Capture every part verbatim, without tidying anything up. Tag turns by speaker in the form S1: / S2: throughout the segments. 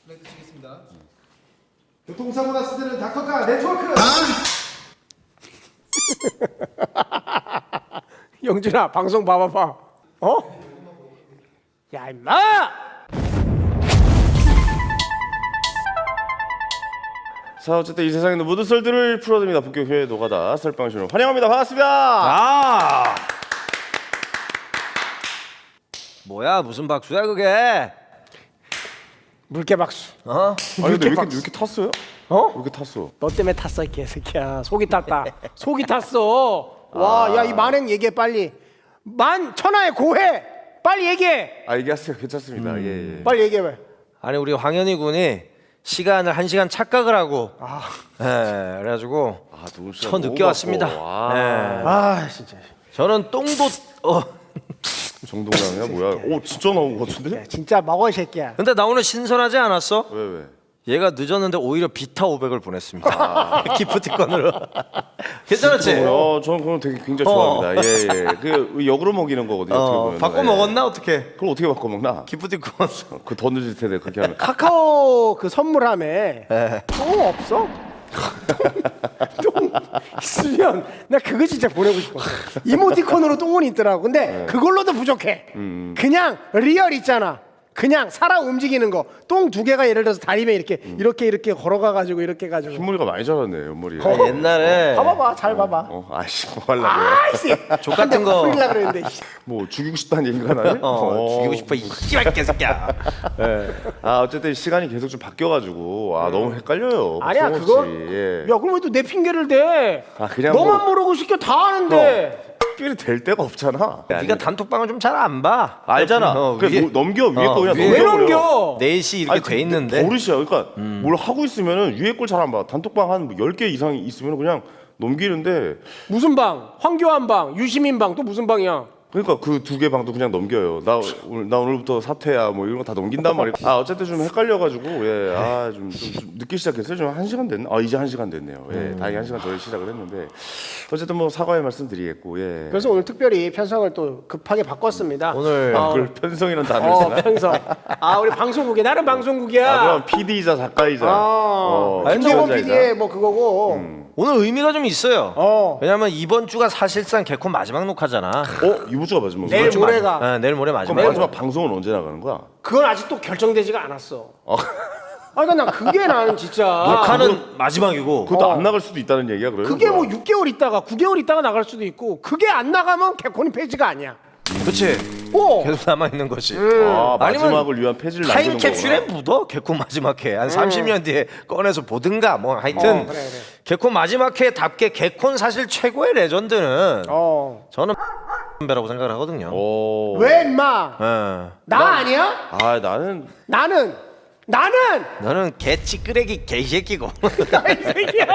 S1: 플레이트 치겠습니다.
S2: 교통사고 났을 때는 닥터카 네트워크.
S3: 영준아 방송 봐봐봐. 어? 야 임마!
S4: 자 어쨌든 이 세상에 있는 모든 썰들을 풀어드립니다. 본격회 노가다 썰빵쇼 환영합니다. 반갑습니다.
S5: 아 뭐야 무슨 박수야 그게?
S3: 물개 박수.
S5: 어?
S4: 아니 근데 왜 이렇게,
S3: 박수.
S4: 왜 이렇게 탔어요?
S3: 어?
S4: 왜 이렇게 탔어?
S3: 너 때문에 탔어 이 개새끼야. 속이 탔다. 속이 탔어. 와, 야 이 만행 얘기해 빨리. 만 천하의 고해. 빨리 얘기해.
S4: 아 얘기하세요. 괜찮습니다. 예, 예.
S3: 빨리 얘기해.
S5: 아니 우리 황현희 군이 시간을 한 시간 착각을 하고
S3: 아,
S5: 예 그래가지고
S4: 아, 너무 진짜
S5: 저
S4: 너무
S5: 늦게 왔습니다.
S4: 바빠. 와.
S5: 예.
S3: 아 진짜.
S5: 저는 똥도 어
S4: 정동남이야 뭐야? 오 진짜 나온 것 같은데?
S3: 야, 진짜 먹어 이 새끼야.
S5: 근데 나 오늘 신선하지 않았어?
S4: 왜 왜?
S5: 얘가 늦었는데 오히려 비타 오백을 보냈습니다. 기프티콘으로. 괜찮았지?
S4: 어, 저는 그건 되게 굉장히
S5: 어.
S4: 좋아합니다. 예, 예. 그 역으로 먹이는 거거든요. 어떻게
S5: 어,
S4: 보면.
S5: 바꿔
S4: 예.
S5: 먹었나 어떻게?
S4: 그걸 어떻게 바꿔 먹나?
S5: 기프티콘.
S4: 그 더 늦을 텐데 그렇게 하면.
S3: 카카오 그 선물함에
S5: 예.
S3: 똥 없어? 똥 있으면 나 그거 진짜 보내고 싶어. 이모티콘으로 똥은 있더라고. 근데 그걸로도 부족해. 그냥 리얼 있잖아. 그냥 살아 움직이는 거. 똥 두 개가 예를 들어서 다리면 이렇게 이렇게 이렇게 걸어가 가지고 이렇게 가지고.
S4: 흰머리가 많이 자랐네 옆머리.
S5: 아, 옛날에
S3: 봐봐봐, 잘 봐봐.
S4: 어, 아씨 뭐 하려고?
S3: 아이씨,
S5: 족 같은 거.
S3: 뿌리려 그랬는데. 씨.
S4: 뭐 죽이고 싶다는 얘기가 나네?
S5: 어, 죽이고 싶어 이 씨발 개새끼야.
S4: 아 어쨌든 시간이 계속 좀 바뀌어가지고 아 너무 헷갈려요.
S3: 아니야
S4: 박성호
S3: 그거.
S4: 씨. 예.
S3: 야 그럼 왜 또 내 핑계를 대?
S4: 아, 그냥
S3: 너만
S4: 뭐-
S3: 모르고 시켜 다 아는데.
S4: 특별히 될 데가 없잖아.
S5: 네가 단톡방을 좀 잘 안 봐.
S4: 알잖아.
S5: 어,
S4: 그래
S5: 위에-
S4: 뭐 넘겨 위에
S5: 어,
S4: 거 그냥
S5: 위에-
S3: 왜
S4: 넘겨버려.
S3: 넘겨?
S5: 넷이 이렇게
S4: 아니,
S5: 돼 있는데.
S4: 버릇이야. 그러니까 뭘 하고 있으면은 위에 걸 잘 안 봐. 단톡방 한 열 개 이상 있으면 그냥 넘기는데
S3: 무슨 방? 황교안 방, 유시민 방, 또 무슨 방이야?
S4: 그러니까 그 두 개 방도 그냥 넘겨요. 나 오늘 나 오늘부터 사퇴야 뭐 이런 거 다 넘긴단 말이야. 아 어쨌든 좀 헷갈려가지고 예, 아좀 좀, 좀 늦게 시작했어요. 좀 한 시간 됐나? 아 이제 한 시간 됐네요. 예, 다행히 한 시간 전에 시작을 했는데 어쨌든 뭐 사과의 말씀드리겠고 예.
S3: 그래서 오늘 특별히 편성을 또 급하게 바꿨습니다.
S5: 오늘
S3: 어,
S4: 그걸 편성이라는 단어를
S3: 어,
S4: 쓰나?
S3: 편성. 아 우리 방송국에 나는 방송국이야.
S4: 아 그럼 피디이자 작가이자
S3: 어,
S4: 어,
S3: 김재범
S4: 출연자이자.
S3: 피디의 뭐 그거고.
S5: 오늘 의미가 좀 있어요.
S3: 어.
S5: 왜냐면 이번 주가 사실상 개콘 마지막 녹화잖아.
S4: 어 이번 주가 마지막
S3: 내일
S4: 거야?
S3: 모레가.
S5: 네, 내일 모레
S4: 그럼
S5: 마지막.
S4: 마지막 방송은 언제 나가는 거야?
S3: 그건 아직도 결정되지가 않았어.
S4: 어.
S3: 아, 그러니까 난 그게 나는 진짜.
S5: 녹화는 마지막이고.
S4: 그것도
S3: 어.
S4: 안 나갈 수도 있다는 얘기야 그래요?
S3: 그게 뭐 육 개월 있다가 구 개월 있다가 나갈 수도 있고 그게 안 나가면 개콘이 폐지가 아니야.
S5: 그렇지.
S3: 오.
S5: 계속 남아 있는 거지.
S4: 아,
S5: 아니면
S4: 마지막을 위한 폐지를 남기는
S5: 타임캡슐에
S4: 거구나.
S5: 묻어 개콘 마지막 회. 한 삼십 년 뒤에 꺼내서 보든가 뭐 하여튼
S3: 어, 그래, 그래.
S5: 개콘 마지막 회답게 개콘 사실 최고의 레전드는
S3: 어.
S5: 저는 배라고 생각을 하거든요.
S4: 오.
S3: 왜 임마?
S5: 예.
S3: 나 아니야?
S4: 아 나는
S3: 나는 나는
S5: 너는 개 찌끄레기 개새끼고.
S3: 이 새끼야.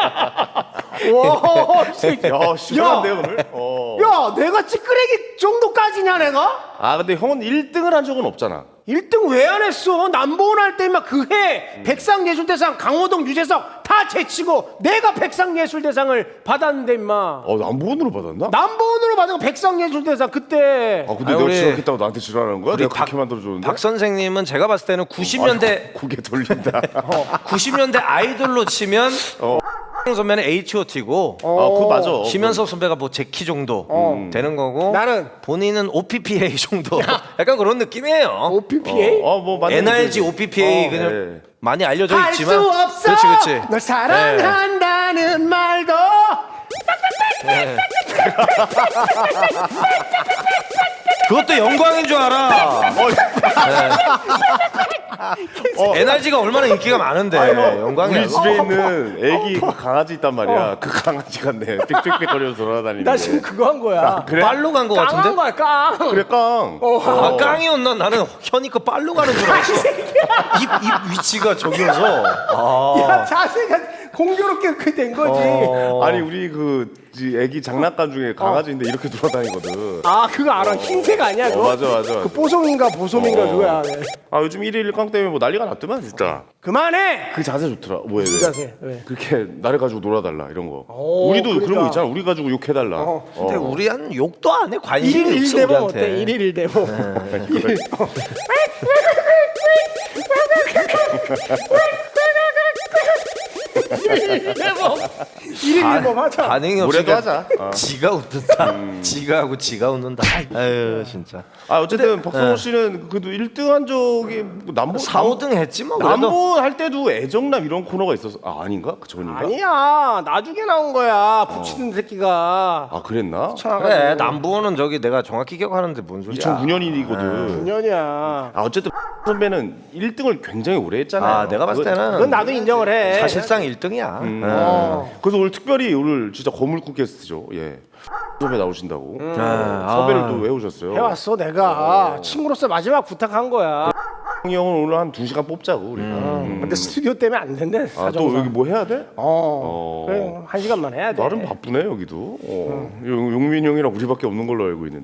S3: 와, 이 새끼.
S4: 야 심한데 오늘? 어.
S3: 야, 내가 찌끄레기 정도까지냐 내가?
S4: 아 근데 형은 일 등을 한 적은 없잖아.
S3: 일 등 왜 안 했어? 남보원 할 때 막 그해 백상예술대상 강호동 유재석 다 제치고 내가 백상예술대상을 받았는데 임마.
S4: 어 남보원으로 받았나?
S3: 남보원으로 받은 거 백상예술대상 그때.
S4: 아 근데
S5: 아니,
S4: 내가
S5: 우리-
S4: 지각했다고 나한테 지랄하는 거야?
S5: 우리
S4: 내가 그렇게
S5: 박-
S4: 만들어줬는데?
S5: 박 선생님은 제가 봤을 때는 구십 년대
S4: 고개 돌린다.
S5: 구십 년대 아이돌로 치면
S4: 어.
S5: 선배는 에이치 오 티고
S4: 아 그거 맞아.
S5: 심연섭 선배가 뭐 제키 정도 되는 거고
S3: 나는
S5: 본인은 오 피 피 에이 정도 약간 그런 느낌이에요.
S3: 오피피에이?
S4: 어뭐 맞는
S5: 엔 알 지
S4: 얘기지.
S5: 오 피 피 에이
S4: 어,
S5: 그냥
S4: 네.
S5: 많이 알려져
S3: 할
S5: 있지만
S3: 수 없어.
S5: 그렇지 그렇지.
S3: 널 사랑한다는 말도.
S5: 그것도 영광인 줄 알아. 네. 엔 알 지가 얼마나 인기가 많은데 영광이야.
S4: 우리 집에 있는 애기 그 강아지 있단 말이야. 그 강아지가 내 삑삑삑거려서 돌아다니는데.
S3: 나 지금 그거 한 거야.
S4: 그래?
S5: 빨로 간 거
S3: 깡한
S5: 같은데?
S3: 거야 깡.
S4: 그래 깡.
S5: 아 깡이었나? 나는 현이 거 빨로 가는 줄 알았어. 입, 입 위치가 저기여서. 아.
S3: 야 자세가 공교롭게 그렇게 된 거지.
S5: 어.
S4: 아니 우리 그 지- 애기 장난감 중에 강아지인데 이렇게 돌아다니거든.
S3: 아 그거 알아. 흰색 아니야
S4: 어,
S3: 그거?
S4: 맞아 맞아.
S3: 그 뽀송인가 보솜인가
S4: 어.
S3: 그거야. 네.
S4: 아 요즘 일일 깡 때문에 뭐 난리가 났더만 진짜.
S3: 그만해.
S4: 그 자세 좋더라. 뭐야? 왜?
S3: 자세, 왜?
S4: 그렇게 나를 가지고 놀아달라 이런 거.
S3: 오,
S4: 우리도 그런
S3: 그러니까.
S4: 거 있잖아. 우리 가지고 욕해달라.
S3: 어.
S5: 근데
S4: 어.
S5: 우리 한 욕도 안 해. 관심이
S3: 일일
S5: 없어
S3: 일대보
S5: 우리한테.
S3: 어때? 일일 일대보.
S4: 그걸-
S3: 일일 일법 하자.
S5: 반응이 없이
S4: 노래도 하자. 어.
S5: 지가 웃는다. 지가 하고 지가 웃는다. 아유 진짜.
S4: 아 어쨌든 박성호 씨는 그래도 일 등 한 적이 뭐 남보
S5: 사, 오 등 했지 뭐. 그래도
S4: 남보 할 때도 애정남 이런 코너가 있었어. 아 아닌가? 그 전인가?
S3: 아니야 나중에 나온 거야 붙이는 새끼가.
S4: 아 그랬나?
S5: 그래 남부는 저기 내가 정확히 기억하는데 뭔 소리야.
S4: 이천구 년이거든.
S3: 구 년이야.
S4: 아 어쨌든 선배는 일 등을 굉장히 오래 했잖아요.
S5: 아 내가 봤을 때는
S3: 그건 나도 인정을 해.
S5: 사실상 일 등이야.
S3: 어.
S4: 그래서 오늘 특별히 오늘 진짜 거물국 게스트죠. 예. 선배 나오신다고.
S5: 아,
S4: 섭외를 또 해오셨어요.
S3: 해왔어 내가 친구로서 마지막 부탁한 거야.
S4: 형이 형은 오늘 한 두 시간 뽑자고 우리가. 음.
S3: 근데 스튜디오 때문에 안 된대.
S4: 아,
S3: 사정상.
S4: 또 여기 뭐 해야 돼?
S3: 어.
S4: 어.
S3: 그래 한 시간만 해야 돼.
S4: 나름 바쁘네 여기도. 어. 용- 용민 형이랑 우리밖에 없는 걸로 알고 있는데.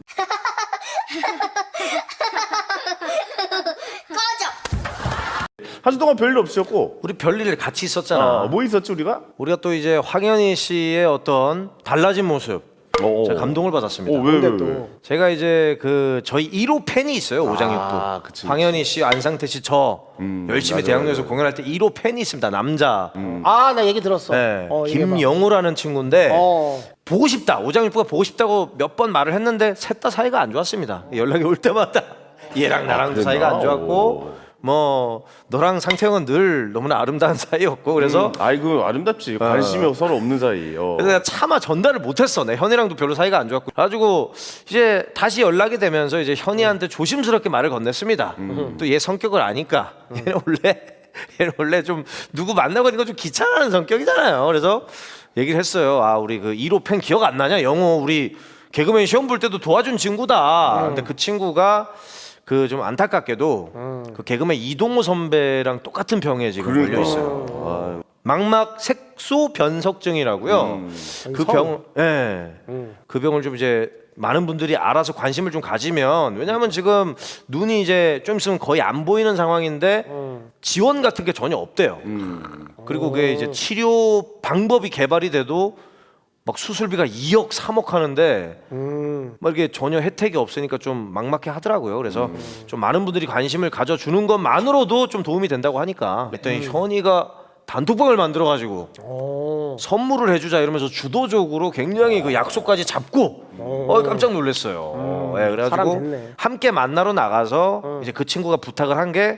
S4: 한 주 동안 별일 없으셨고.
S5: 우리 별일 같이 있었잖아.
S4: 아, 뭐 있었지 우리가?
S5: 우리가 또 이제 황현희 씨의 어떤 달라진 모습
S4: 어,
S5: 제가 감동을 받았습니다.
S4: 어, 왜, 왜,
S3: 근데
S4: 왜?
S3: 또
S5: 제가 이제 그 저희 일 호 팬이 있어요. 오장육부.
S4: 아, 그치,
S5: 황현희 씨, 안상태 씨, 저
S4: 음,
S5: 열심히
S4: 맞아요,
S5: 대학로에서
S4: 맞아요.
S5: 공연할 때 일 호 팬이 있습니다. 남자.
S3: 아 나 얘기 들었어.
S5: 네.
S3: 어, 얘기해봐.
S5: 김영우라는 친구인데
S3: 어.
S5: 보고 싶다. 오장육부가 보고 싶다고 몇 번 말을 했는데 셋 다 사이가 안 좋았습니다. 연락이 올 때마다 얘랑 나랑도
S4: 그랬나?
S5: 사이가 안 좋았고
S4: 오.
S5: 뭐 너랑 상태형은 늘 너무나 아름다운 사이였고 그래서
S4: 아이고 아름답지. 관심이 서로 없는 사이. 어.
S5: 그래서 내가 차마 전달을 못했어. 내 현이랑도 별로 사이가 안 좋았고. 그래가지고 이제 다시 연락이 되면서 이제 현이한테 조심스럽게 말을 건넸습니다. 또 얘 성격을 아니까 얘는 원래 얘는 원래 좀 누구 만나고 있는 거 좀 귀찮아하는 성격이잖아요. 그래서 얘기를 했어요. 아 우리 그 일 호 팬 기억 안 나냐? 영호 우리 개그맨 시험 볼 때도 도와준 친구다. 근데 그 친구가 그 좀 안타깝게도 그 개그맨 이동호 선배랑 똑같은 병에 지금 걸려 있어요. 아, 망막 색소 변석증이라고요. 그 병, 예, 그 병을 좀 이제 많은 분들이 알아서 관심을 좀 가지면 왜냐하면 지금 눈이 이제 좀 있으면 거의 안 보이는 상황인데 지원 같은 게 전혀 없대요. 그리고 그게 이제 치료 방법이 개발이 돼도 막 수술비가 이억 삼억 하는데
S3: 음.
S5: 막 이렇게 전혀 혜택이 없으니까 좀 막막해 하더라고요. 그래서 좀 많은 분들이 관심을 가져주는 것만으로도 좀 도움이 된다고 하니까 그랬더니 현이가 단톡방을 만들어가지고
S3: 어.
S5: 선물을 해주자 이러면서 주도적으로 굉장히 그 약속까지 잡고 어 깜짝 놀랐어요. 예,
S3: 사람
S5: 그래가지고
S3: 됐네.
S5: 함께 만나러 나가서 이제 그 친구가 부탁을 한 게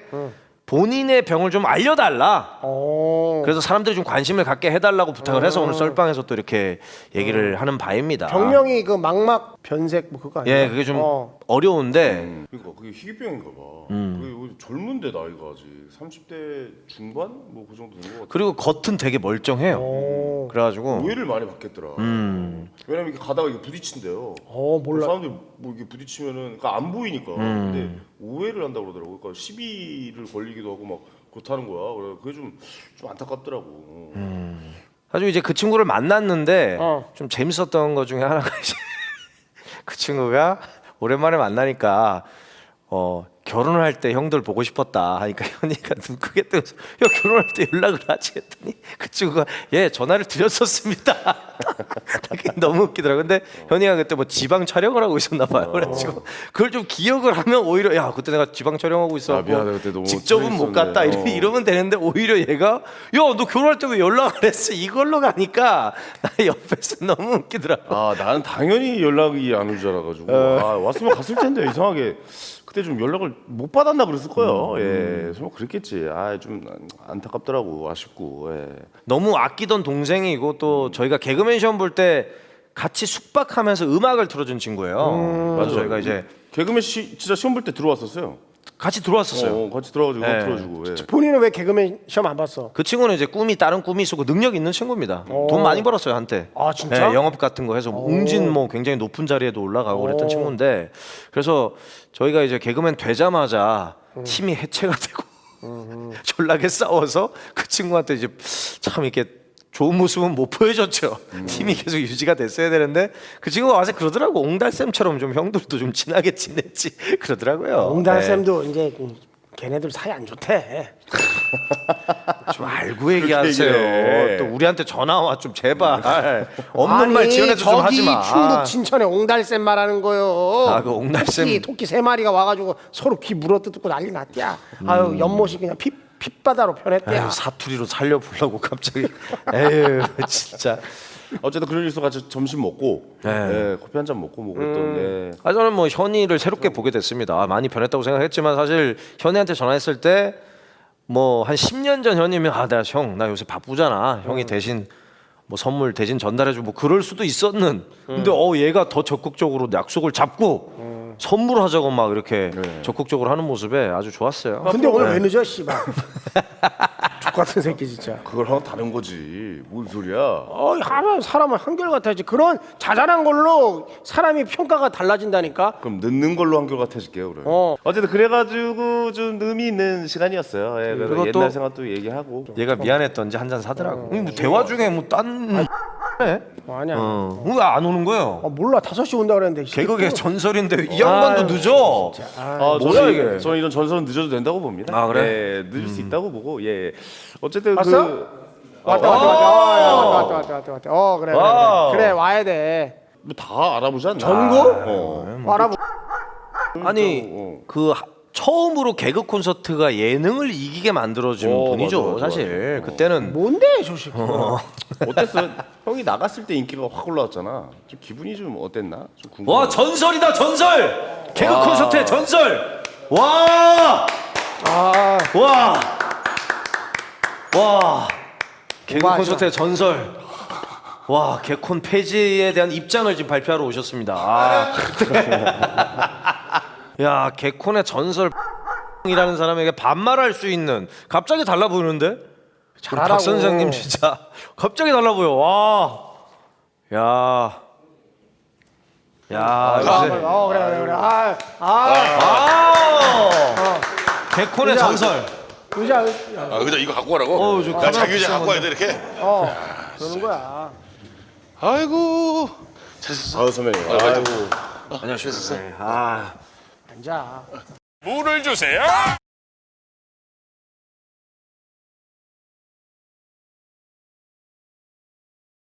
S5: 본인의 병을 좀 알려달라.
S3: 어.
S5: 그래서 사람들이 좀 관심을 갖게 해달라고 부탁을 해서 오늘 썰방에서 또 이렇게 얘기를 하는 바입니다.
S3: 병명이 그 망막 변색 뭐 그거 아니야?
S5: 예, 그게 좀
S3: 어.
S5: 어려운데
S4: 그러니까 그게 희귀병인가 봐.
S5: 음.
S4: 그게 젊은데 나이가 아직 삼십 대 중반 뭐 그 정도 된 것 같아.
S5: 그리고 겉은 되게 멀쩡해요.
S3: 어.
S5: 그래가지고
S4: 오해를 많이 받겠더라.
S5: 음.
S4: 왜냐면 이렇게 가다가 이게 부딪힌대요.
S3: 어 몰라.
S4: 사람들이 뭐 이게 부딪히면은 그러니까 안 보이니까.
S5: 음.
S4: 근데 오해를 한다고 그러더라고. 그러니까 시비를 걸리기도 하고 막 그렇다는 거야. 그래 그게 좀 좀 안타깝더라고.
S5: 아주 이제 그 친구를 만났는데
S3: 어.
S5: 좀 재밌었던 것 중에 하나가 이제 그 친구가 오랜만에 만나니까 어 결혼을 할 때 형들 보고 싶었다 하니까 현이가 눈 크게 뜨면서 야 결혼할 때 연락을 하지 했더니 그 친구가 예 전화를 드렸었습니다. 그게 너무 웃기더라고. 근데 현이가 그때 뭐 지방 촬영을 하고 있었나 봐요. 그래가지고 그걸 좀 기억을 하면 오히려 야 그때 내가 지방 촬영하고 있었고
S4: 아, 미안해. 그때 너무
S5: 직접은 못 갔다
S4: 재밌었네.
S5: 이러,
S4: 어.
S5: 이러면 되는데 오히려 얘가 야 너 결혼할 때 왜 연락 안 했어 이걸로 가니까 나 옆에서 너무 웃기더라고.
S4: 아 나는 당연히 연락이 안 올 줄 알아가지고
S5: 어.
S4: 아, 왔으면 갔을 텐데 이상하게 그때 좀 연락을 못 받았나 그랬을 거예요.
S5: 음.
S4: 예, 설마 그랬겠지. 아 좀 안타깝더라고, 아쉽고. 예.
S5: 너무 아끼던 동생이고 또 저희가 개그맨 시험 볼 때 같이 숙박하면서 음악을 틀어준 친구예요. 그래서 저희가 이제
S4: 개그맨 시, 진짜 시험 볼 때 들어왔었어요.
S5: 같이 들어왔었어요.
S4: 어, 같이 들어가지고
S5: 네.
S4: 틀어주고. 예.
S3: 본인은 왜 개그맨 시험 안 봤어?
S5: 그 친구는 이제 꿈이 다른 꿈이 있었고 능력 있는 친구입니다. 돈 많이 벌었어요 한때.
S3: 아, 진짜?
S5: 네, 영업 같은 거 해서 웅진 뭐 굉장히 높은 자리에도 올라가고 그랬던
S3: 오.
S5: 친구인데 그래서 저희가 이제 개그맨 되자마자 팀이 해체가 되고 졸라게 싸워서 그 친구한테 이제 참 이렇게 좋은 모습은 못 보여줬죠. 팀이 계속 유지가 됐어야 되는데 그 친구가 와서 그러더라고. 옹달쌤처럼 좀 형들도 좀 친하게 지냈지 그러더라고요.
S3: 옹달
S5: 네.
S3: 쌤도 이제 걔네들 사이 안 좋대.
S5: 좀 알고 얘기하세요.
S4: 얘기해.
S5: 또 우리한테 전화 와 좀 제발 없는
S3: 아니,
S5: 말 지어내서 좀 하지 마.
S3: 저기 충북 진천에 옹달 쌤 말하는 거요.
S5: 아, 그 옹달 쌤.
S3: 토끼, 토끼 세 마리가 와가지고 서로 귀 물어뜯고 난리 났대야. 아유 연못이 그냥 피 핏바다로 변했대요.
S5: 에휴, 사투리로 살려보려고 갑자기. 에휴 진짜.
S4: 어쨌든 그런 일서 같이 점심 먹고
S5: 네.
S4: 예, 커피 한 잔 먹고 뭐 그랬던 예.
S5: 아 저는 뭐 현이를 새롭게 보게 됐습니다. 아, 많이 변했다고 생각했지만 사실 현이한테 전화했을 때 뭐 한 십 년 전 현이면 아 내가 형 나 요새 바쁘잖아. 형이 대신 뭐 선물 대신 전달해주고 뭐 그럴 수도 있었는. 근데 어 얘가 더 적극적으로 약속을 잡고 선물하자고 막 이렇게 적극적으로 하는 모습에 아주 좋았어요.
S3: 근데 오늘 왜 늦어 씨발. 족같은 새끼 진짜.
S4: 그걸 하고 다른 거지. 뭔 소리야?
S3: 어이 하면 사람은 한결같아야지. 그런 자잘한 걸로 사람이 평가가 달라진다니까.
S4: 그럼 늦는 걸로 한결 같아질게요 그럼.
S3: 어.
S4: 어쨌든 그래가지고 좀 의미 있는 시간이었어요. 예, 그래서
S5: 그리고 또-
S4: 옛날 생각도 얘기하고.
S5: 얘가 미안했던지 한 잔 사더라고. 뭐 대화 중에 뭐딴 해?
S3: 어, 아니야.
S5: 어. 왜 안 오는 거예요?
S3: 아, 몰라 다섯 시 온다 그랬는데.
S5: 개그계 전설인데 이 양반도 늦어.
S4: 아,
S5: 뭐야,
S4: 저는,
S5: 이게?
S4: 저는 이런 전설은 늦어도 된다고 봅니다.
S5: 아, 그래?
S4: 예, 늦을 수 있다고 보고 예. 어쨌든
S3: 왔어?
S4: 그
S3: 왔다 왔다 왔다. 어, 야, 왔다 왔다 왔다 왔다 왔다. 어 그래 그래
S5: 와우.
S3: 그래, 그래 와야 돼.
S4: 뭐 다 알아보지 않나?
S3: 전국?
S4: 어.
S3: 알아보.
S5: 아니
S4: 어.
S5: 그 하- 처음으로 개그 콘서트가 예능을 이기게 만들어준
S4: 어,
S5: 분이죠.
S4: 맞아, 맞아,
S5: 사실 그때는
S3: 뭔데 저 새끼.
S4: 어땠어? 형이 나갔을 때 인기가 확 올라왔잖아. 좀 기분이 좀 어땠나? 좀 궁금해.
S5: 와 전설이다 전설. 개그 콘서트의 전설. 와.
S3: 아
S5: 와. 와. 개그
S3: 오바하지
S5: 콘서트의 전설. 와, 개콘 폐지에 대한 입장을 지금 발표하러 오셨습니다. 아. 야, 개콘의 전설 이라는 사람에게 반말할 수 있는 갑자기 달라 보이는데? 우리
S3: 잘하라고.
S5: 박 선생님 진짜 갑자기 달라 보여. 와. 야. 야,
S3: 아,
S5: 요새
S3: 그래. 어 그래 그래 그래. 아 아.
S5: 아. 개콘의
S3: 의자.
S5: 전설.
S3: 의자
S1: 아, 의자 이거 갖고 가라고?
S5: 어, 저
S1: 나
S5: 카메라
S1: 자기 의자
S5: 비싼
S1: 갖고 와야 돼 이렇게?
S3: 어 그러는 거야.
S1: 아이고 잘했어.
S4: 아유 선배님. 아이고.
S5: 안녕하세요. 아.
S3: 앉아.
S1: 물을 주세요.